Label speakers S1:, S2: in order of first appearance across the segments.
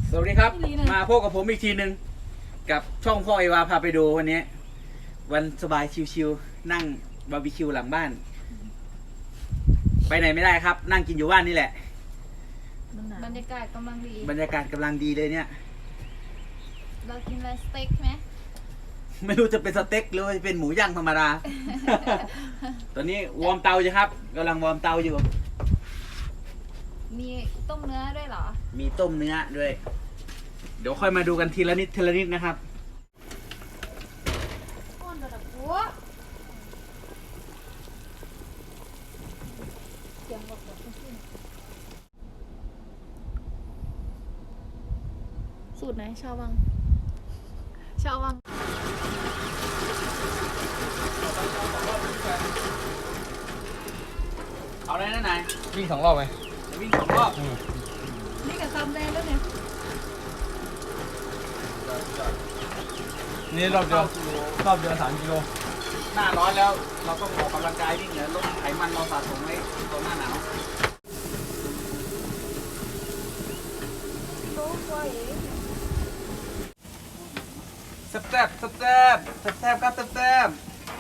S1: สวัสดีครับมาพบกับผมอีกทีหนึ่งกับช่องพ่อไอวาพาไปดูวันนี้วันสบายชิวๆนั่งบาร์บีคิวหลังบ้านไปไหนไม่ได้ครับ นั่งกินอยู่บ้านนี่แหละ
S2: บรรยากาศกำลังดี
S1: บรรยากาศกำลังดีเลยเนี่ย
S2: เรากินอะไรสเต็กไหม
S1: ไม่รู้จะเป็นสเต็กหรือว่าจะเป็นหมูย่างธรรมดา ตอนนี้วอร์มเตาอยู่ครับกำลังวอร์มเตาอยู่
S2: มีต้มเนื้อด้วยเหรอ
S1: มีต้มเนื้อด้วยเดี๋ยวค่อยมาดูกันทีละนิดทีละนิดนะครับ
S2: ก้อนระดับหัวเสียงแบบสูตรไหนชอบบ้างชอบบ้าง
S1: เอาได้นะนาย
S3: วิ่ง2 รอบไหม
S1: วิ่ง2 รอบ
S2: นี่กับคำแดงแล้วเนี่ย
S3: นี่รอบเดียว3 กิโล
S1: หน้าร้อนแล้วเราต้องออกกำลังกายวิ่งเหนือลดไขมันเราสะสมไว้ตอนหน้าหนาวแซ่บแซ่บแซ่บแซ่บแซ่บครับแซ่บแซ่บ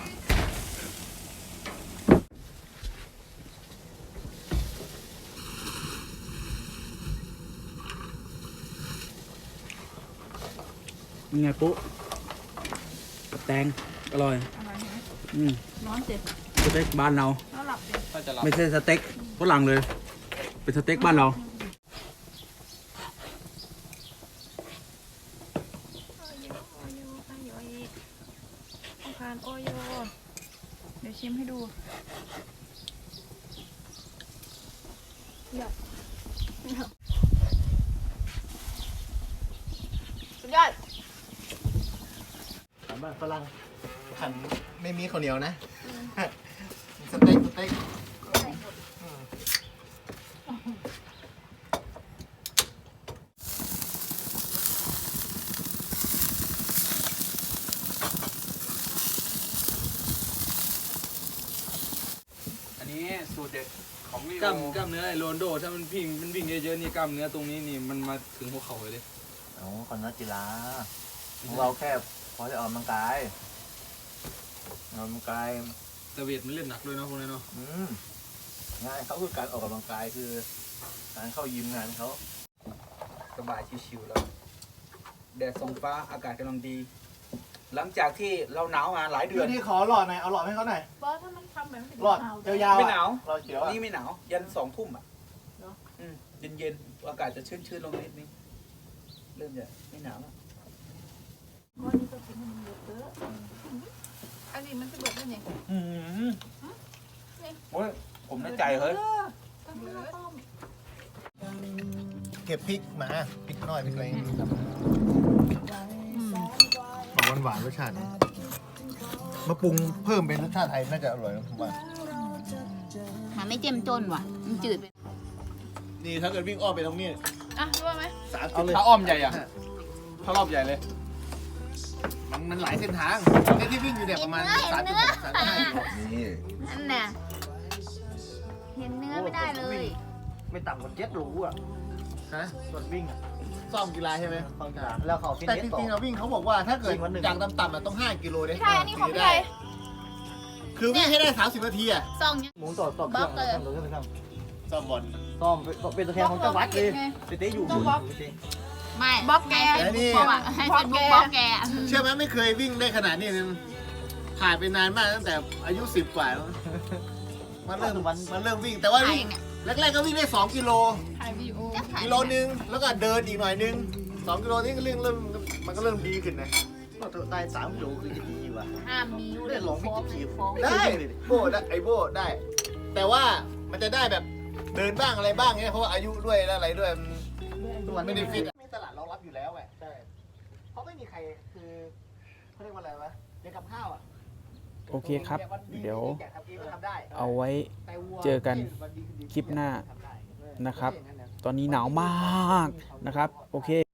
S1: ยังไงปุ๊กับแตงอร่อย
S2: ร้อนเจ็บ
S1: สเต็กบ้านเรา
S2: แล้วหลับเจ็บ
S1: ไม่ใช่สเต็กฝรั่งเลยเป็นสเต็กบ้านเรา
S2: โอโยเดี๋ยวชิมให้ดูสุดยอด
S3: บ้านฝรั่งขันไม่มีข้าวเหนียวนะสเต็ก
S1: อันนี้สูตรเด็ดของลิโ
S3: กล้ามเนื้อไอ้โรนโดถ้ามันวิ่งเยอะๆนี่กล้ามเนื้อตรงนี้นี่มันมาถึงหัวเข่าเลยดิ
S4: อ๋อก่อนนักกีฬาของเราแค่พอจะออกกำลังกาย
S3: แต่เวทมันเล่นหนักด้วยเนาะพวกนี้เนาะ
S4: งานเขาคือการออกกำลังกายคือการเข้ายิมงานเขา
S1: สบายชิวๆแล้วแดดส่องฟ้าอากาศกำลังดี หลังจากที่เราหนาวมาหลายเดือน
S4: นี่ขอหลอดหน่อยเอาหลอดให้เขาหน่อย
S2: บอสถ้ามันทำแบบนี้
S4: หลอดยาวๆ
S1: ไม่หนาว
S4: หลอดเขียว
S1: นี่ไม่หนาวยัน2 ทุ่มเย็นๆอากาศจะชื้นๆลงนิดนึงเริ่มจะไม่หนาวแล้ว
S2: ก้อนนี้ก็กินมันเยอะอันนี้มันจะเบิดได้ไง
S1: โอ้ยผมในใจเฮ้ย
S4: เก็บพริกมาพริกน้อยพริกอะไรหวานรสชาติมาปรุงเพิ่มเป็นรสชาติไทยน่าจะอร่อยนะผมว่า
S2: มันไม่เจ้มจนว่ะมันจืดไป
S4: นี่ถ้าเกิดวิ่งอ้อมไปตรงนี้
S2: รู้ไหม
S3: ถ้าอ้อมใหญ่อะถ้ารอบใหญ่เลย
S4: มันหลายเส้นทางที่วิ่งอยู่เนี่ยประมาณ3.6-3.5 กิโล
S2: นี่นั่นน่ะเห็นเนื้อไม่ได้เลย
S4: ไม่ต่ำกว่า7 โลอ่ะฮะส่วนวิ่งซ้อมกีฬาใช่ไหมซ้อมกีฬาแล้วเขาแต่จริงๆเราวิ่งเขาบอกว่าถ้าเกิดอย่างต่ำๆต้อง5 กิโล
S2: ใช่อันนี้ของพี่ใหญ่
S4: คือวิ่งให้ได้30 นาทีอ่ะ
S2: ซองเนี้ย
S4: หมุนต่อ
S2: บัฟเลย
S4: ซ้อมบอลซ้อมเป็นตัวแทนของจังหวัดเลยเต้อยู่
S2: ไม่บ๊อบแกเพราะว่าให้เป็นบุ๊กบ๊อบแก
S4: เชื่อไหมไม่เคยวิ่งได้ขนาดนี้ผ่านไปนานมากตั้งแต่อายุ10 กว่ามันเริ่มวิ่งแต่ว่าแรกๆก็วิ่งได้2 กิโลกิโลนึงแล้วก็เดินอีกหน่อยนึง2 กิโลนี่ก็เริ่มมันก็เริ่มดีขึ้นนะก็ได้3 กิโลคือจะดีว่ะ
S2: มี
S4: ได้ลองวิ่งได้โบได้ไอโบได้ แต่ว่ามันจะได้แบบเดินบ้างอะไรบ้างเนี่ยเพราะว่าอายุด้วยอะไรด้วยมันไม่ได้ฟิตไม่ตลาดรองรับอยู่แล้วไงใช่เพราะไม่มีใครคือเขาเรียกว่าอะไรวะเรียนกับข้าวอ่ะ
S1: โอเคครับเดี๋ยวเอาไว้เจอกันคลิปหน้านะครับตอนนี้หนาวมากนะครับโอเค